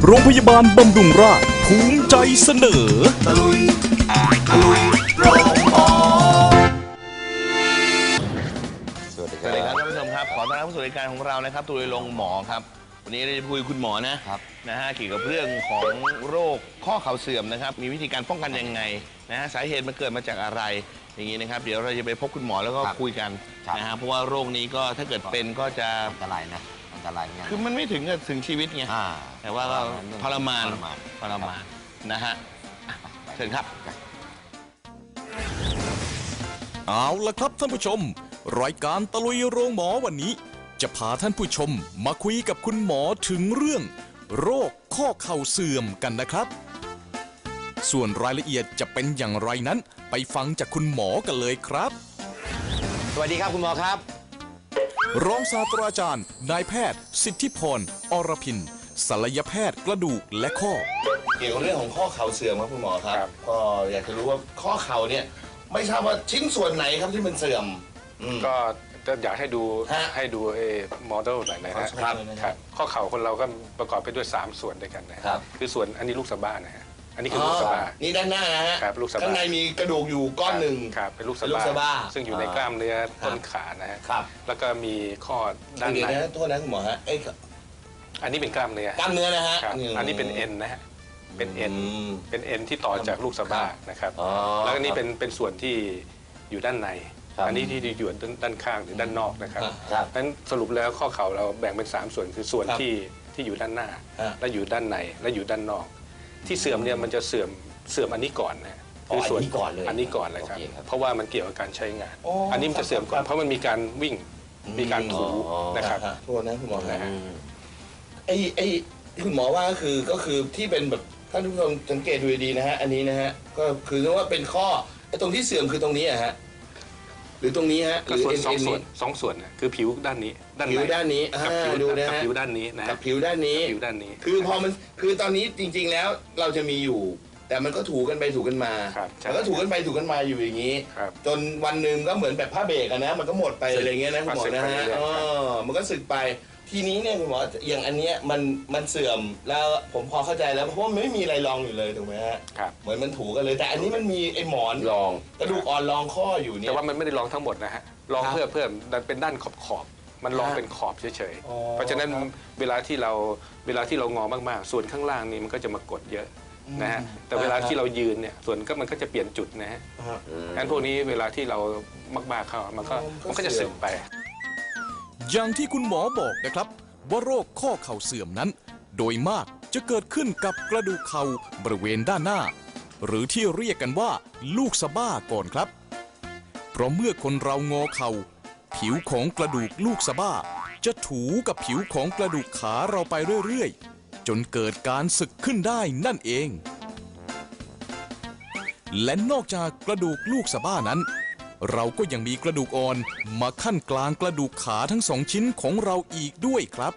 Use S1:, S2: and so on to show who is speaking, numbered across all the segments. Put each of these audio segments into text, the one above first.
S1: โรงพยาบาลบำรุงราษฎร์ภูมิใจเสนอตะลุยโรงหมอ
S2: สวัสดีครับท่านผู้ชมครับขอต้อนรับสู่รายการของเรานะครับตะลุยโรงหมอครับวันนี้เราจะพูดคุณหมอนะครับเกี่ยวกับเรื่องของโรคข้อเข่าเสื่อมนะครับมีวิธีการป้องกันยังไงสาเหตุมันเกิดมาจากอะไรอย่างนี้นะครับเดี๋ยวเราจะไปพบคุณหมอแล้วก็คุยกันเพราะว่าโรคนี้ก็ถ้าเกิดเป็นก็จะ
S3: อันตรายนะอันตรายไง
S2: คือมันไม่ถึงกับถึงชีวิตไงแต่ว่าก็ทรมานนะฮะเชิญครับ
S1: เอาละครับท่านผู้ชมรายการตะลุยโรงหมอวันนี้จะพาท่านผู้ชมมาคุยกับคุณหมอถึงเรื่องโรคข้อเข่าเสื่อมกันนะครับส่วนรายละเอียดจะเป็นอย่างไรนั้นไปฟังจากคุณหมอกันเลยครับ
S3: สวัสดีครับคุณหมอครับ
S1: รองศาสตราจารย์นายแพทย์สิทธิพรอรพินศัลยแพทย์กระดูกและข้อ
S2: เกี่ยวกับเรื่องของข้อเข่าเสื่อมครับคุณหมอครับก็อยากจะรู้ว่าข้อเข่าเนี่ยไม่ทราบว่าชิ้นส่วนไหนครับที่มันเสื่อม
S4: ก็อยากให้ดูโมเดลหน่อยนะครับข้อเข่าคนเราก็ประกอบไปด้วย3ส่วนด้วยกันนะครับคือส่วนอันนี้ลูกสะบ้านะฮะอันนี้คือลูกสะบ้า
S2: นี่ด้านหน้านะฮะ
S4: ลูกสะบ้า
S2: ข้างในมีกระดูกอยู่ก้อนหนึ่ง
S4: ครับเป็นลูกสะบ้าซึ่งอยู่ในกล้ามเนื้อต้นขานะฮะแล้วก็มีข้อด้านใน
S2: โทษนะคุณหมอฮะ
S4: อันนี้เป็นกล้ามเนื้อ
S2: นะฮะ
S4: อันนี้เป็นเอ็นนะฮะเป็นเอ็นที่ต่อจากลูกสะบ้านะครับแล้วอันนี้เป็นส่วนที่อยู่ด้านในอันนี้ที่อยู่ด้านข้างหรือด้านนอกนะครับนั้นสรุปแล้วข้อเข่าเราแบ่งเป็น3ส่วนคือส่วนที่อยู่ด้านหน้าและอยู่ด้านในและอยู่ด้านนอกที่เสื่อมเนี่ยมันจะเสื่อมอันนี้ก่อนนะ
S3: คือส่วน
S4: อันนี้ก่อนเลยครับเพราะว่ามันเกี่ยวกับการใช้งานอันนี้มันจะเสื่อมก่อนเพราะมันมีการวิ่งมีการถูนะครับ
S2: โทษนะคุณหมอนะไอ้คุณหมอว่าก็คือที่เป็นแบบท่านผู้ชมสังเกตดูดีนะฮะอันนี้นะฮะก็คือว่าเป็นข้อไอ้ตรงที่เสื่อมคือตรงนี้อะฮะหรือตรงนี้ฮะหรือ
S4: สองส่วนนะคือผิวด้านนี้
S2: ผิวด้านนี้
S4: ดูนะฮะผิวด้านนี้นะ
S2: ผิวด้านนี้คือพอมันคือตอนนี้จริงๆแล้วเราจะมีอยู่แต่มันก็ถูกันไปถูกันมาแล้วก็ถูกันไปถูกันมาอยู่อย่างนี้จนวันหนึ่งก็เหมือนแบบผ้าเบรกนะมันก็หมดไปอะไรเงี้ยนะคุณหมอนะฮะมันก็สึกไปทีนี้เนี่ยคุณหมออย่างอันเนี้ยมันเสื่อมแล้วผมพอเข้าใจแล้วเพราะว่าไม่มีอะไรรองอยู่เลยถูกไหมฮะเหมือนมันถูกันเลยแต่อันนี้มันมีไอ้หมอน
S3: รอง
S2: กระดูกอ่อนรองข้ออยู่เนี่ย
S4: แต่ว่ามันไม่ได้รองทั้งหมดนะฮะรองเพื่อเป็นด้านขอบมันรองเป็นขอบเฉยๆเพราะฉะนั้นเวลาที่เรางอมากๆส่วนข้างล่างนี่มันก็จะมากดเยอะนะฮะแต่เวลาที่เรายืนเนี่ยส่วนมันก็จะเปลี่ยนจุดนะฮะงั้นพวกนี้เวลาที่เรามากๆเข้ามันก็จะเสื่อมไป
S1: อย่างที่คุณหมอบอกนะครับว่าโรคข้อเข่าเสื่อมนั้นโดยมากจะเกิดขึ้นกับกระดูกเข่าบริเวณด้านหน้าหรือที่เรียกกันว่าลูกสะบ้าก่อนครับเพราะเมื่อคนเรางอเข่าผิวของกระดูกลูกสะบ้าจะถูกับผิวของกระดูกขาเราไปเรื่อยๆจนเกิดการสึกขึ้นได้นั่นเองและนอกจากกระดูกลูกสะบ้านั้นเราก็ยังมีกระดูกอ่อนมาขั้นกลางกระดูกขาทั้ง2ชิ้นของเราอีกด้วยครับ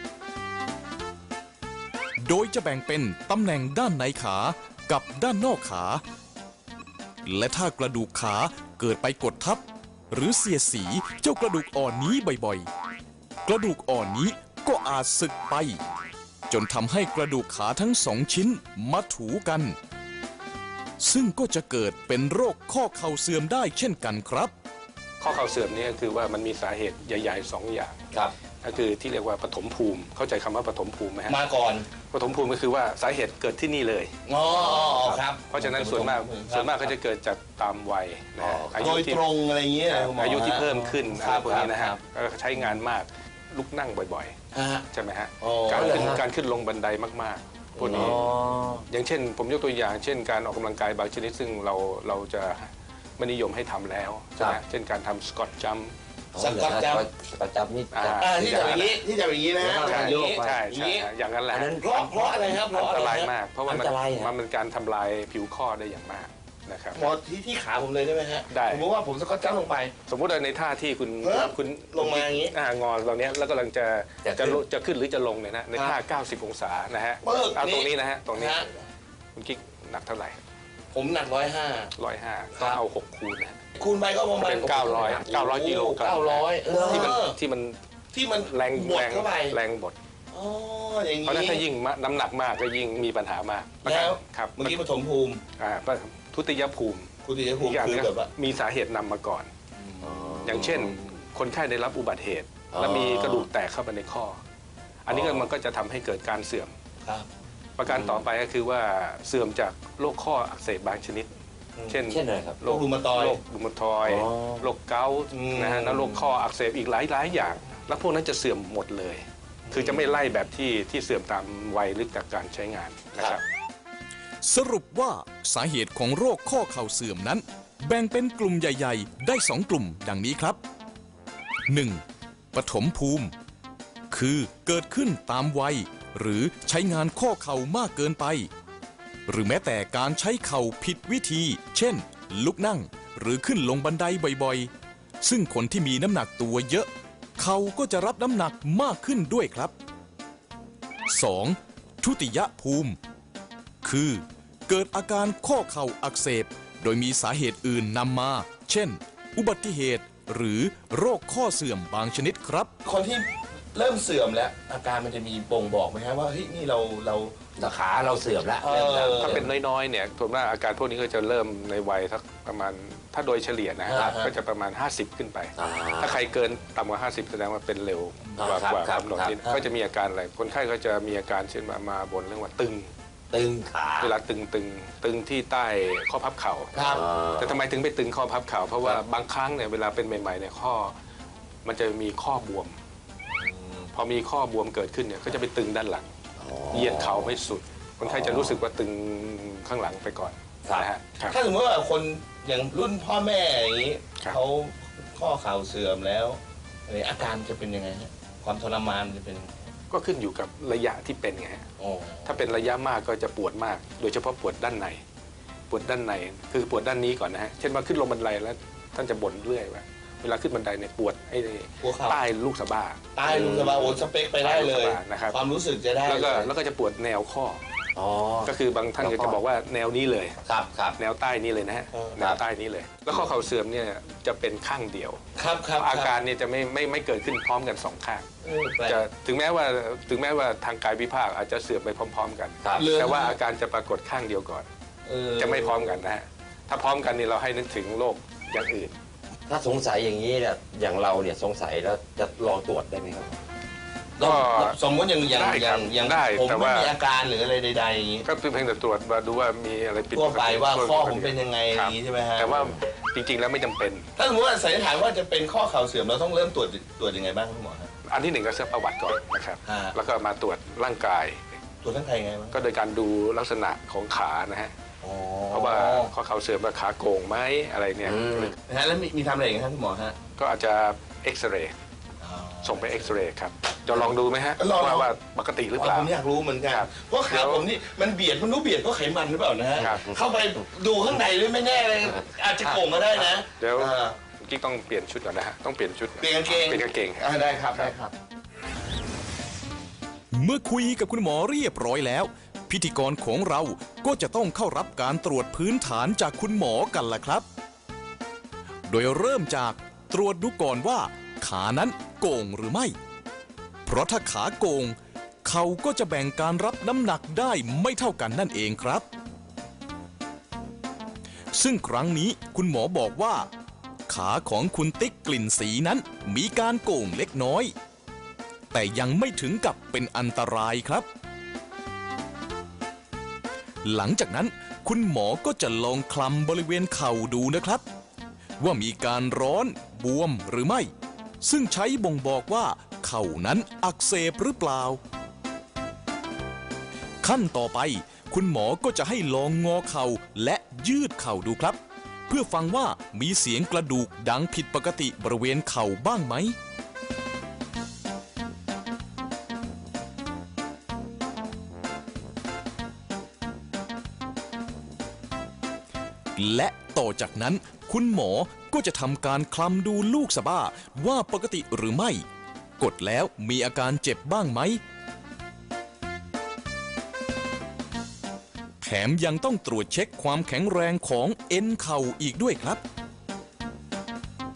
S1: โดยจะแบ่งเป็นตำแหน่งด้านในขากับด้านนอกขาและถ้ากระดูกขาเกิดไปกดทับหรือเสียดสีเจ้ากระดูกอ่อนนี้บ่อยๆกระดูกอ่อนนี้ก็อาจสึกไปจนทำให้กระดูกขาทั้ง2ชิ้นมาถูกันซึ่งก็จะเกิดเป็นโรคข้อเข่าเสื่อมได้เช่นกันครับ
S4: ข้อเข่าเสื่อมนี่ก็คือว่ามันมีสาเหตุใหญ่ๆ2อย่างก็คือที่เรียกว่าปฐมภูมิเข้าใจคำว่าปฐมภูมิไหมฮะ
S2: มาก่อน
S4: ปฐมภูมิก็คือว่าสาเหตุเกิดที่นี่เลย
S2: ครับ
S4: เพราะฉะนั้นส่วนมากก็จะเกิดจากตามวัยนะ
S2: อายุที่ตรงอะไรอย่างเงี้ย
S4: อายุที่เพิ่มขึ้นอะไรพวกนี้นะฮะก็ใช้งานมากลุกนั่งบ่อยๆใช่ไหมฮะการขึ้นลงบันไดมากๆพวกนี้อย่างเช่นผมยกตัวอย่างเช่นการออกกำลังกายบางชนิดซึ่งเราจะไม่นิยมให้ทำแล้วใช่ไหมเช่นการทำสกอตจัมป์
S3: นี่
S2: ที่จะอย่างนี้นะ
S4: ใช่อย่างนั้นแหละ
S2: เพราะอะไรครับ
S4: อันตรายมากเพราะว่ามันเป็นการทำลายผิวข้อได้อย่างมากนะครับ
S2: หมอที่ขาผมเลยได้ไหมฮะได้สมมติว่าผมสกอตจัมป์ลงไป
S4: สมมติในท่าที่คุณ
S2: ลงมาอย่างนี้
S4: งอตรงนี้แล้วกำลังจะขึ้นหรือจะลงเนี่ยนะในท่า90 องศานะฮะเอาตรงนี้นะฮะตรงนี้คุณกิ๊กหนักเท่าไหร่
S2: ผมหนัก105
S4: ก็เอา6คูณนะ
S2: คูณไปก็ประมาณ
S4: เป็น900กิโลกรัมที่มัน
S2: แรงบดเข้าไป
S4: แรงบด
S2: อ๋ออย่าง
S4: เพราะฉะนั้นถ้ายิ่งน้ำหนักมากก็ยิ่งมีปัญหามาก
S2: แล้ว
S4: ครับ
S2: เมื่อกี้ปฐมภูมิ
S4: ทุติยภูมิ
S2: คุณติยภูมิ
S4: อีกอย่าง
S2: คือ
S4: นึง
S2: แบบว่า
S4: มีสาเหตุนำมาก่อน อย่างเช่น คนไข้ได้รับอุบัติเหตุ แล้วมีกระดูกแตกเข้าไปในข้อ อันนี้ก็มันก็จะทำให้เกิดการเสื่อม
S2: ครับ
S4: ประการต่อไปก็คือว่าเสื่อมจากโรคข้ออักเสบบางชนิด เช่น
S3: อะไรครับ
S2: โรครูมาตอยด์
S4: โรครูมาตอยด์
S3: อ๋อ
S4: โรคเกาต์นะฮะแล้วโรคข้ออักเสบอีกหลายอย่าง แล้วพวกนั้นจะเสื่อมหมดเลย คือจะไม่ไล่แบบที่เสื่อมตามวัยหรือจากการใช้งานนะครับ
S1: สรุปว่าสาเหตุของโรคข้อเข่าเสื่อมนั้น แบ่งเป็นกลุ่มใหญ่ ๆ ได้ 2 กลุ่มดังนี้ครับ 1. ปฐมภูมิ คือเกิดขึ้นตามวัย หรือใช้งานข้อเข่ามากเกินไป หรือแม้แต่การใช้เข่าผิดวิธี เช่น ลุกนั่งหรือขึ้นลงบันไดบ่อยๆ ซึ่งคนที่มีน้ำหนักตัวเยอะ เข่าก็จะรับน้ำหนักมากขึ้นด้วยครับ 2. ทุติยภูมิ คือเกิดอาการข้อเข่าอักเสบ โดยมีสาเหตุอื่นนำมา เช่น อุบัติเหตุ หรือโรคข้อเสื่อมบางชนิดครับ
S2: คนที่เริ่มเสื่อมแล้ว อาการมันจะมีบ่งบอกไหมฮะว่าเฮ้ยนี่เรา
S3: ขาเราเสื่อมแล้ว
S4: ถ้าเป็นน้อยๆเนี่ยส่วนมากอาการพวกนี้ก็จะเริ่มในวัยสักประมาณถ้าโดยเฉลี่ยนะก็จะประมาณ 50 ขึ้นไป ถ้าใครเกินต่ำกว่า 50 แสดงว่าเป็นเร็วกว่ากำหนดนิดก็จะมีอาการอะไรคนไข้ก็จะมีอาการเช่นมาบ่นเรื่องว่าตึง
S3: ขา
S4: เวลาตึงที่ใต้ข้อพับเข่า
S2: ครับ
S4: แต่ทำไมถึงไปตึงข้อพับเข่าเพราะว่าบางครั้งเนี่ยเวลาเป็นใหม่ๆเนี่ยข้อมันจะมีข้อบวม พอมีข้อบวมเกิดขึ้นเนี่ยก็จะไปตึงด้านหลังเหยียดเข่าไม่สุด คนไข้จะรู้สึกว่าตึงข้างหลังไปก่อนนะฮะ
S2: ถ้าสมมติว่าคนอย่างรุ่นพ่อแม่อย่างนี้
S4: ครับ
S2: เขาข้อเข่าเสื่อมแล้วอาการจะเป็นยังไงฮะความทรมานจะเป็นยังไง
S4: ก็ขึ้นอยู่กับระยะที่เป็นไงฮะ
S2: อ๋อ
S4: ถ้าเป็นระยะมากก็จะปวดมาก โดยเฉพาะปวดด้านในปวดด้านในคือปวดด้านนี้ก่อนนะฮะเช่นว่าขึ้นลงบันไดแล้วท่านจะบ่นเรื่อยว่าเวลาขึ้นบันไดเนี่ยปวดไอ้
S2: หัวเข่า
S4: ใต้ลูกสะบ้า
S2: ใต้ลุงสบายโอ้สเปคไปได้เลย
S4: นะครับ
S2: ความรู้สึกจะได้
S4: แล้วก็จะปวดแนวข้อ ก็คือบางท่านก็จะบอกว่าแนวนี้เลย
S3: ครับ
S4: แนวใต้นี้เลยนะฮะแนวใต้นี้เลย แล้วข้อเข่าเสื่อมเนี่ยจะเป็นข้างเดียว
S2: ครับ
S4: อาการเนี่ยจะไม่เกิดขึ้นพร้อมกันสองข้าง
S2: แปลก
S4: จะถึงแม้ว่าทางกายวิภาคอาจจะเสื่อมไปพร้อมๆกัน แต่ว่าอาการจะปรากฏข้างเดียวก่อน จะไม่พร้อมกันนะฮะถ้าพร้อมกันนี่เราให้นึกถึงโรคอย่างอื่น
S3: ถ้าสงสัยอย่างนี้เนี่ยอย่างเราเนี่ยสงสัยแล้วจะลองตรวจได้ไหมครับ
S4: ก็
S2: สมมติอย่าง
S4: ได้ครับ ได้
S2: ผม
S4: แต่
S2: ไม่
S4: ว่า
S2: มีอาการหรืออะไรใดๆอย่างนี้
S4: ก็เพียงแต่ตรวจมาดูว่ามีอะไรผิด
S2: ทั่วไปว่า
S4: ปกติ
S2: ข้อผมเป็นยังไงอย่างนี้ใช่ไหมฮะ
S4: แต่ว่าจริงๆแล้วไม่จำเป็น
S2: ถ้าสมมติว่าสันนิษฐานว่าจะเป็นข้อเข่าเสื่อมเราต้องเริ่มตรวจยังไงบ้างครับคุณหมอครับ
S4: อันที่หนึ่งก็เช็คประวัติก่อนนะครับ
S2: อ่า
S4: แล้วก็มาตรวจร่างกาย
S2: ตรวจทั้งใครยังไงบ้าง
S4: ก็โดยการดูลักษณะของขานะฮะ
S2: อ๋อ
S4: เพราะว่าข้อเข่าเสื่อมว่าขาโก่งไหมอะไรเนี่ย
S2: นะฮะแล้วมีทำอะไรอีกครับคุณหมอฮะ
S4: ก็อาจจะเอ็กซเรย์ส่งไปเอ็กซเรย์ครับจะลองดูไหมฮะ
S2: ลอง
S4: ว่าปกติหรือเปล่า
S2: ผมอยากรู้เหมือนกัน
S4: ครับ
S2: เพราะขาผมนี่มันเบียดมันรู้เบียดเพราะไขมันหรือเปล่านะฮะ
S4: ครับ
S2: เข้าไปดูข้างในด้วยไม่แน่เลยอาจจะโก่งก็ได้นะ
S4: เดี๋ยว
S2: อ่า
S4: กิ๊กต้องเปลี่ยนชุดก่อนนะฮะต้องเปลี่ยนชุด
S2: เปลี่ยนกางเกง
S4: เปลี่ยนกางเกง
S2: ได้ครับได้ครับ
S1: เมื่อคุยกับคุณหมอเรียบร้อยแล้ว พิธีกรของเราก็จะต้องเข้ารับการตรวจพื้นฐานจากคุณหมอกันล่ะครับ โดยเริ่มจากตรวจดูก่อนว่า ขานั้นโก่งหรือไม่ เพราะถ้าขาโก่งเขาก็จะแบ่งการรับน้ำหนักได้ไม่เท่ากันนั่นเองครับ ซึ่งครั้งนี้คุณหมอบอกว่า ขาของคุณติ๊กกลิ่นสีนั้นมีการโก่งเล็กน้อย แต่ยังไม่ถึงกับเป็นอันตรายครับ หลังจากนั้นคุณหมอก็จะลองคลำบริเวณเข่าดูนะครับ ว่ามีการร้อนบวมหรือไม่ ซึ่งใช้บ่งบอกว่าเข่านั้นอักเสบหรือเปล่า ขั้นต่อไปคุณหมอก็จะให้ลองงอเข่าและยืดเข่าดูครับ เพื่อฟังว่ามีเสียงกระดูกดังผิดปกติบริเวณเข่าบ้างไหม และต่อจากนั้นคุณหมอก็จะทำการคลำดูลูกสะบ้าว่าปกติหรือไม่ กดแล้วมีอาการเจ็บบ้างไหม แถมยังต้องตรวจเช็คความแข็งแรงของเอ็นเข่าอีกด้วยครับ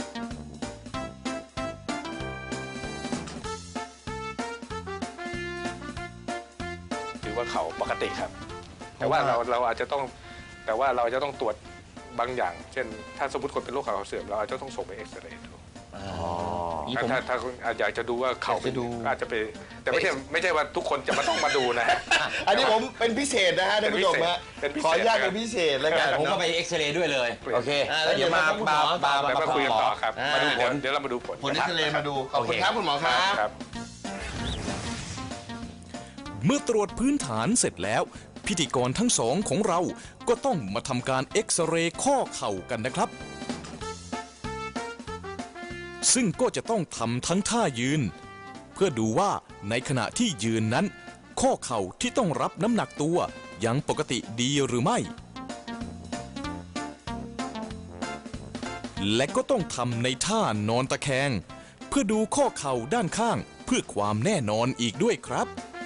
S2: ค
S4: กติครับ แต่ว่าเราอาจจะต้องแต่ว่าเราจะต้องตรวจบางอย่าง เช่น ถ้าสมมติคนเป็นโรคเข่าเสื่อมเราอาจจะต้องส่งไปเอ็กซเรย์ดูถ้าอยากจะดูว่าเข่าเป็นอาจจะไปแต่ไม่ใช่ว่าทุกคนจะมาต้องมาดูนะฮะ
S2: อันนี้ผมเป็นพิเศษนะฮะท่านผู้ชมฮะขออนุญาตเป็นพิเศษแล้วกัน
S3: ผมก็ไปเอ็กซเรย์ด้วยเลยโอเคแล้วเดี๋ยวมา
S4: มาคุยกันต่อครับมาดูผลเดี๋ยวเรามาดูผล
S2: ผลเอ็กซเรย์มาดูขอบคุณครับคุณหมอครับ
S1: เมื่อตรวจพื้นฐานเสร็จแล้ว พิธีกรทั้งสองของเราก็ต้องมาทำการเอ็กซเรย์ข้อเข่ากันนะครับ ซึ่งก็จะต้องทำทั้งท่ายืน เพื่อดูว่าในขณะที่ยืนนั้น ข้อเข่าที่ต้องรับน้ำหนักตัวยังปกติดีหรือไม่ และก็ต้องทำในท่านอนตะแคง เพื่อดูข้อเข่าด้านข้างเพื่อความแน่นอนอีกด้วยครับ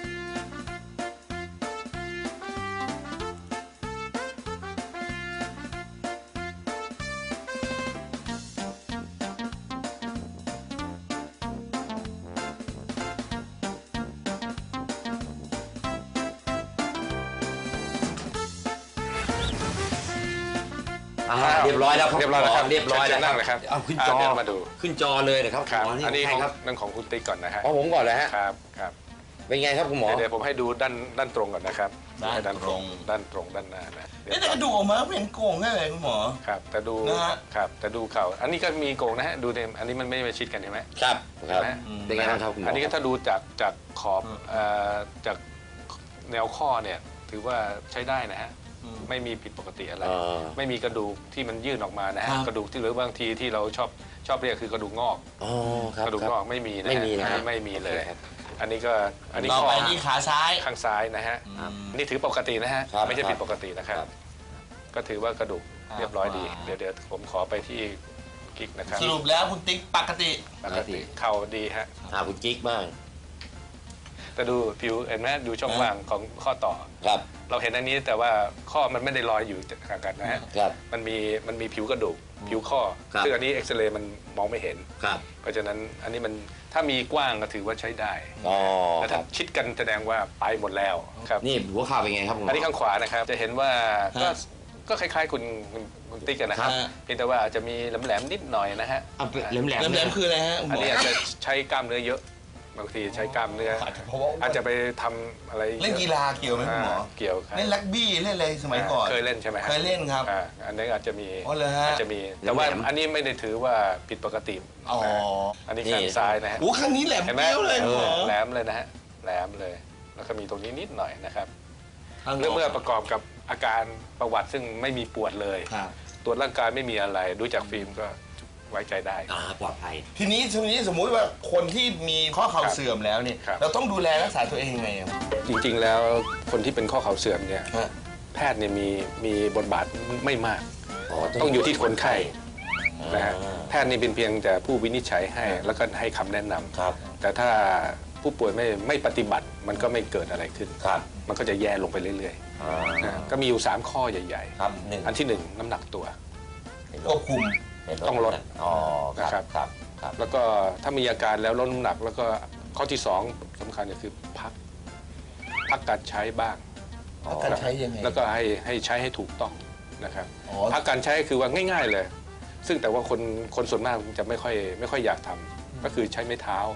S3: เรียบร้อยแล้วครับ
S4: เรียบร้อยแล้วครับ
S3: เรียบร้อยแล้ว
S4: นั่งเลยครับ
S3: เอาขึ้นจอ
S4: เดี๋ยวมาดู
S3: ขึ้นจอเลยนะครับ
S4: ครับ
S3: หม
S4: อันนี้
S3: ใครครับ
S4: นั่นของคุณติ๊กก่อนนะฮะ
S3: ของผมก่อนเลยฮะ
S4: ครับ
S3: เป็นไงครับคุณหมอ
S4: เดี๋ยวผมให้ดูด้านตรงก่อนนะครับ
S2: ด้านตรง
S4: ด้านหน้านะ
S2: แต่กระดูกออกมาเป็นโก่งได้เลยคุณหมอ
S4: ครับแต่ดู
S2: นะฮะ
S4: ครับแต่ดูเข่าอันนี้ก็มีโกงนะฮะดูเนี่ยอันนี้มันไม่มาชิดกันเห็นไหม
S3: ครับครับ
S4: เห็นไหม
S3: เป็นไงบ้างครับคุณหมอ
S4: อันนี้ก็ถ้าดูจากขอบจากแนวข้อเนี่ยถือว่าใช้ได้นะฮะไม่มีผิดปกติอะไร ไม่มีกระดูกที่มันยื่นออกมานะฮะกระดูกที่หรือบางทีที่เราชอบเรียกคือกระดูกงอก
S3: ครับ
S4: กระดูกงอกไม่มีนะ
S3: ไม่มีนะ
S4: ไม่มีเลย อันนี้
S2: ต่อ
S4: ข้อ
S2: ไปที่ขาซ้าย
S4: ข้างซ้ายนะฮะนี่ถือปกตินะฮะ
S3: ครับ
S4: ไม่ใช่ผิดปกตินะครับ ก็ถือว่ากระดูกเรียบร้อยดี เดี๋ยวผมขอไปที่กิ๊กนะครับ
S2: สรุปแล้วคุณติ๊กปกติ
S4: ปกติเข่าดีฮะ
S3: คุณกิ๊กบ้าง
S4: แต่ดูผิวเห็นไหมดูช่องว่างของข้อต่อ
S3: ครับ
S4: เราเห็นอันนี้แต่ว่าข้อมันไม่ได้ลอยอยู่ห่างกันนะฮะ
S3: ครับ
S4: มันมีผิวกระดูกผิวข้อ
S3: ครับ
S4: ซึ่งอันนี้เอ็กซเรย์มันมองไม่เห็น
S3: ครับ
S4: เพราะฉะนั้นอันนี้มันถ้ามีกว้างก็ถือว่าใช้ได้ แต่
S3: ค
S4: ถ้า
S3: รับ
S4: ชิดกันแสดงว่าไปหมดแล้วครับ
S3: นี่หัวเข่าเป็นไงครับคุณหม
S4: อั
S3: อน
S4: นี้ข้างขวานะครับจะเห็นว่าก็คล้ายๆคุณติ๊กกันนะครับ
S2: ครับ
S4: เพียงแต่ว่าอาจจะมีแหลมๆนิดหน่อยนะฮะ
S3: แหลม
S2: แหลมๆคืออะไรฮะคุณหม
S4: อัน
S2: อ
S4: นี้อาจจะใช้กล้ามเนื้อเยอะบางทีใช้กล้ามเนื้อ
S2: เพราะว่า
S4: อาจจะไปทำอะไร
S2: เล่นกีฬาเกี่ยวไหมคุณหมอ
S4: เกี่ยวครับ
S2: เล่นรักบี้เล่นอะไรสมัยก่อน
S4: เคยเล่นใช่ไหมฮะ
S2: เคยเล่นครับ
S4: อันนี้อาจจะมี
S2: อ๋อเหรอฮะ
S4: อาจจะมีแต่ว่าอันนี้ไม่ได้ถือว่าผิดปกติ
S2: อ๋อ
S4: อันนี้ข้างซ้ายนะฮะ
S2: โอ้ข้างนี้แหลม
S4: เห็นไหม
S2: เปี้ยวเลยคุณหมอ
S4: แหลมเลยนะฮะแหลมเลย แล้วก็มีตรงนี้นิดหน่อยนะครับ
S2: ข้าง
S4: เมื่อประกอบกับอาการประวัติซึ่งไม่มีปวดเลย
S2: ครับ
S4: ตรวจร่างกายไม่มีอะไรดูจากฟิล์มก็ไว้ใจได้
S3: ปลอดภัย
S2: ทีนี้สมมุติว่าคนที่มีข้อเข่าเสื่อมแล้วเนี่ย
S4: ครับ
S2: เราต้องดูแลรักษาตัวเองยังไงอะ
S4: จริงๆแล้วคนที่เป็นข้อเข่าเสื่อมเนี่ย
S2: ฮะ
S4: แพทย์เนี่ยมีบทบาทไม่มาก ต้องอยู่ที่คนไข้นะฮะแพทย์นี่เป็นเพียงแต่ผู้วินิจฉัยให้แล้วก็ให้คำแนะนำ
S3: ครับ
S4: แต่ถ้าผู้ป่วยไม่ปฏิบัติมันก็ไม่เกิดอะไรขึ้น
S3: ครับ
S4: มันก็จะแย่ลงไปเรื่อยๆนะก็มีอยู่ 3 ข้อใหญ่
S3: ครับหนึ่ง
S4: ๆ อันที่ 1 น้ำหนักตัว
S2: ควบคุม
S4: ต้องลด
S3: ครับ ครับ ครับ
S4: แล้วก็ถ้ามีอาการแล้วลดน้ำหนัก แล้วก็ข้อที่ 2สำคัญก็คือพักการใช้บ้าง
S2: การใช้ยังไง
S4: แล้วก็ให้ใช้ให้ถูกต้องนะครับ
S2: อ๋อ
S4: พักการใช้คือว่าง่าย ๆเลย ซึ่งแต่ว่าคนส่วนมากจะไม่ค่อยอยากทำก็คือใช้ไม้เท้า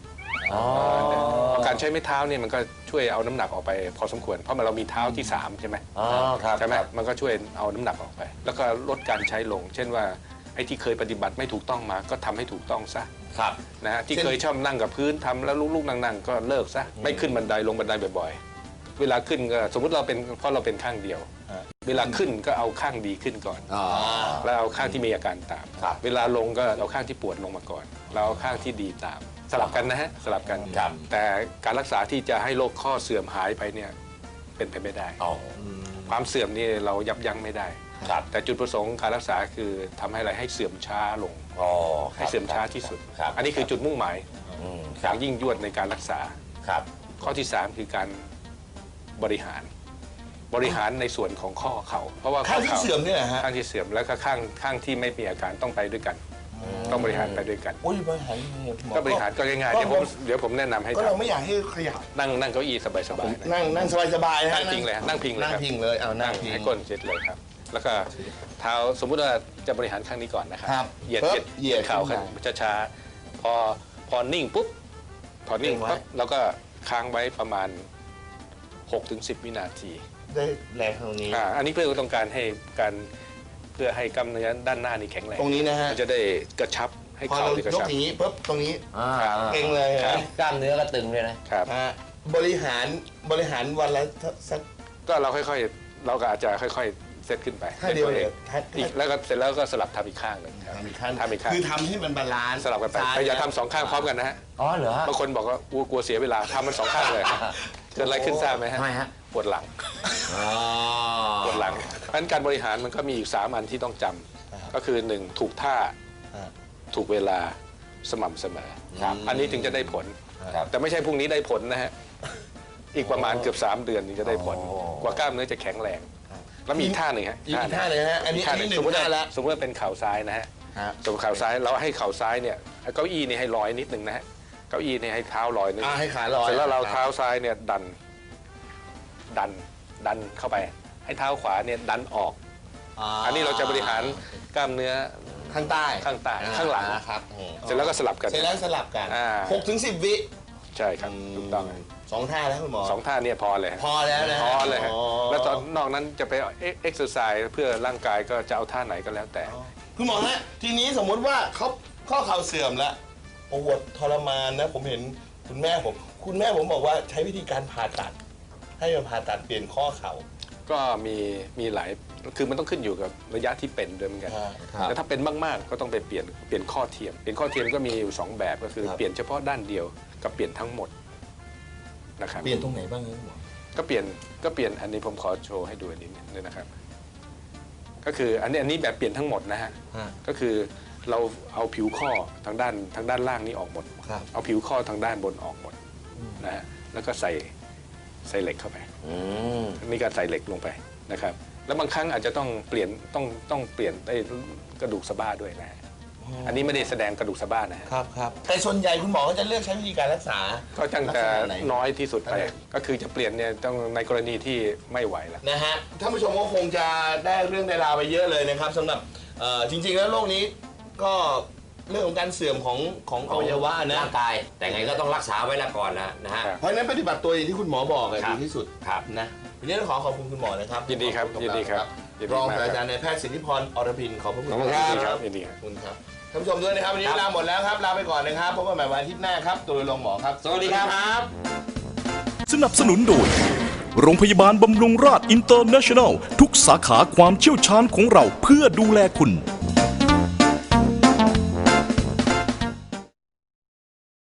S4: การใช้ไม้เท้าเนี่ยมันก็ช่วยเอาน้ำหนักออกไปพอสมควรเพราะเรามีเท้าที่ 3 ใช่ไหม
S3: ครับ
S4: ใช่ไหมมันก็ช่วยเอาน้ำหนักออกไป แล้วก็ลดการใช้ลง เช่นว่าไอ้ที่เคยปฏิบัติไม่ถูกต้องมาก็ทำให้ถูกต้องซะ
S3: ครับ
S4: นะฮะที่เคยชอบนั่งกับพื้นทำแล้วลูกๆนั่งๆก็เลิกซะไม่ขึ้นบันไดลงบันไดบ่อยๆ เวลาขึ้นก็สมมุติเราเป็นข้างเดียว เวลาขึ้นก็เอาข้างดีขึ้นก่อนแล้วเอาข้างที่มีอาการตาม เวลาลงก็เอาข้างที่ปวดลงมาก่อนแล้วเอาข้างที่ดีตาม สลับกันนะฮะสลับกัน แต่การรักษาที่จะให้โรคข้อเสื่อมหายไปเนี่ยเป็นไปไม่ได้ความเสื่อมนี่เรายับยั้งไม่ได้แต่จุดประสงค์การรักษาคือทำให้อะไรให้เสื่อมช้าลงให้เสื่อมช้าที่สุด อันนี้คือจุดมุ่งหมายอย่างยิ่งยวดในการรักษาข้อที่ 3 คือการบริหารในส่วนของข้อเข่าเพราะว่า
S2: ข้างที่เสื่อมเนี่ยนะฮะ
S4: ข้างที่เสื่อมแล้วก็ข้างที่ไม่มีอาการต้องไปด้วยกันต้องบริหารไปด้วยกัน
S2: โอ้ยบริหารยังไงหมอ
S4: ก็บริหารก็ง่ายๆเดี๋ยวผมแนะนำให้
S2: ก็เราไม่
S4: ทำ
S2: อยากให้ขยับ
S4: นั่งเก้าอี้สบายๆนะ
S2: นั่งสบายๆนะ
S4: นั่งพิงเลยฮะนั่งพิงเลย
S2: นั่ง
S4: ครับ
S2: พิงเลยเอานั่
S4: นั่
S2: ง
S4: ง
S2: พิง
S4: ให้ก้นเช็ดเลยครับ แล้วก็เท้าสมมุติว่าจะบริหารข้างนี้ก่อนนะครับ
S2: ครับ
S4: เหยียด
S2: ปึ๊บเหยียด
S4: เข่า
S2: ขึ้
S4: ขึ้
S2: น
S4: น
S2: มา
S4: ช้าๆพอนิ่งปุ๊บพอนิ่ง
S2: เกรงไว้
S4: ปั๊บเราก็ค้างไว้ประมาณ 6-10 วินาที
S2: ได้แรงตรงนี้
S4: อันนี้เพื่อต้องการให้การเพื่อให้กล้ามเนื้อด้านหน้านี่แข็งแรง
S2: ตรงนี้นะฮะ
S4: มันจะได้กระชับให้
S2: พอ
S4: เข่า
S2: เรา
S4: ได้กระ
S2: ยก
S4: ชับ
S2: อย่างนี้ปุ๊บตรงนี้ เกร็งเลย
S4: ครั
S2: ฮะ
S4: บ
S3: กล้ามเนื้อก็ตึงเลยนะ
S4: ครับ
S2: ฮะบริหารวันละสัก
S4: ก็เราค่อยๆ เราก็อาจจะค่อยๆ เซตขึ้นไป
S2: ท่าเดียวเลย
S4: อีกแล้วก็เสร็จแล้วก็สลับทำอีกข้างหนึ่งครับ
S2: ทำอีกขั้น
S4: ทำอีกข้าง
S2: คือทำให้มันบาลานซ์
S4: สลับกันไป
S2: ซ้
S4: แต่อย่าทำสองข้างพร้อมกันนะฮะ
S3: อ๋อเหรอฮะ
S4: บางคนบอกว่ากลัวเสียเวลาทำมันสองข้างเลยเกิดอะไรขึ้นทราบไหมฮะ
S3: ทำไมฮะ
S4: ปวดหลัง
S3: อ๋อ
S4: ปวดหลังเพราะฉะนั้นการบริหารมันก็มีอยู่3อันที่ต้องจำก็คือ 1 ถูกท่า ถูกเวลาสม่ำเสมอ
S3: ครับ
S4: อันนี้ถึงจะได้ผล
S3: ครับ
S4: แต่ไม่ใช่พรุ่งนี้ได้ผลนะฮะ อีกประมาณเกือบ3 เดือนถึงจะได้ผล
S3: อ๋อ
S4: กว่ากล้ามเนื้อจะแข็งแรง แล้วมีอีกท่าหนึ่งฮะ
S2: อีกท่าเลยฮะอันนี้
S4: ท่าหนึ่ง
S2: หนึ่
S4: สม
S2: ง
S4: มติ
S2: ท่าแล้ว
S4: สมมติว่าเป็นเข่าซ้ายนะฮะ
S2: ฮะ
S4: สมมติเข่าซ้ายเราให้เข่าซ้ายเนี่ยเก้าอี้นี่ให้ลอยนิดนึงนะฮะ เก้าอี้นี่ให้เท้าลอยนิดนึง
S2: ให้ขาลอย
S4: เสร็จแล้วเราเท้าซ้ายเนี่ยดันเข้าไป ให้เท้าขวาเนี่ยดันออก อันนี้เราจะบริหารกล้ามเนื้อ
S2: ข้างใต้
S4: ข้างใต้ข้างหลัง
S2: ครับ
S4: เสร็จแล้วก็สลับกัน
S2: เสร็จแล้วสลับกัน
S4: อ่า
S2: 6-10 วิ
S4: ใช่ครับถูกต้อง
S2: 2 ท่าแล้วคุณหมอ
S4: 2 ท่าเนี่ยพอเลยฮะ
S2: พอแล้วนะ
S4: พอเลยฮะ
S2: อ๋อ
S4: แล้วตอนนอกนั้นจะไปเอ็กซ์เซอร์ไซส์เพื่อร่างกายก็จะเอาท่าไหนก็แล้วแต่
S2: คุณหมอฮะทีนี้สมมุติว่าเขาข้อเข่าเสื่อมแล้วปวดทรมานนะผมเห็นคุณแม่ผมบอกว่าใช้วิธีการผ่าตัด ให้มันผ่าตัดเปลี่ยนข้อเข่า
S4: ก็มีหลายคือมันต้องขึ้นอยู่กับระยะที่เป็นด้วยเหมือนกัน
S2: ครับ
S4: แต่ถ้าเป็นมากๆก็ต้องไปเปลี่ยนข้อเทียมเปลี่ยนข้อเทียมก็มีอยู่2แบบก็คือ
S2: ครับ
S4: เปลี่ยนเฉพาะด้านเดียวกับเปลี่ยนทั้งหมดนะครับ
S2: เปลี่ยนตรงไหนบ้างครับคุณหมอ
S4: ก็เปลี่ยนอันนี้ผมขอโชว์ให้ดูอันนี้นิดนึงนะครับ ก็คืออันนี้แบบเปลี่ยนทั้งหมดนะฮะ ก็คือเราเอาผิวข้อทางด้านล่างนี้ออกหมด
S2: ครับ
S4: เอาผิวข้อทางด้านบนออกหมดนะฮะแล้วก็ใส่เหล็กเข้าไป
S3: อืม
S4: นี่การใส่เหล็กลงไปนะครับ แล้วบางครั้งอาจจะต้องเปลี่ยนได้กระดูกสะบ้าด้วยนะฮะอันนี้ไม่ได้แสดงกระดูกสะบ้านะฮะ
S2: ครับแต่ส่วนใหญ่คุณหมอก็จะเลือกใช้วิธีการรักษา
S4: ก็จังแต่
S2: ลักษณะไหน
S4: น้อยที่สุดไป
S2: อะไร
S4: ก็คือจะเปลี่ยนเนี่ยต้องในกรณีที่ไม่ไหวแล้ว
S2: นะฮะท่านผู้ชมก็คงจะได้เรื่องได้ราวไปเยอะเลยนะครับสำหรับจริงๆแล้วโรคนี้ก็เรื่องของการเสื่อมของอวัยวะนะ
S3: ร่างกาย แต่ไงก็ต้องรักษาไว้ละก่อนนะฮะ
S4: ครับ
S2: เพราะฉะนั้นปฏิบัติตัวอย่างที่คุณหมอบอกอะ
S3: ครับ
S2: ดีที่สุด
S3: ครับ
S2: นะวันนี้ต้องขอบคุณคุณหมอนะครับ
S4: ยินดีครับ
S2: ขอณ
S4: ยินดีครับยินดี
S2: รอง
S4: มาก
S2: ศาสต
S4: ครับ
S2: ราจารย์นายแพทย์สิทธิพรอรพินขอบพระคุณ
S3: ขอบคุณ
S2: ค
S3: ครั
S2: รับ
S4: ยินดีครับ
S2: ขอบคุณครับท่านผู้ชมด้วยนะครับวันนี้เวลาหมดแล้วครับลาไปก่อนนะครับพบกันใหม่วันอาทิตย์หน้าครับตัวลงหมอครับ
S3: สวัสดีครับ
S1: สนับสนุนโดย โรงพยาบาลบำรุงราษอินเตอร์เนชั่นแนล ทุกสาขาความเชี่ยวชาญของเราเพื่อดูแลคุณ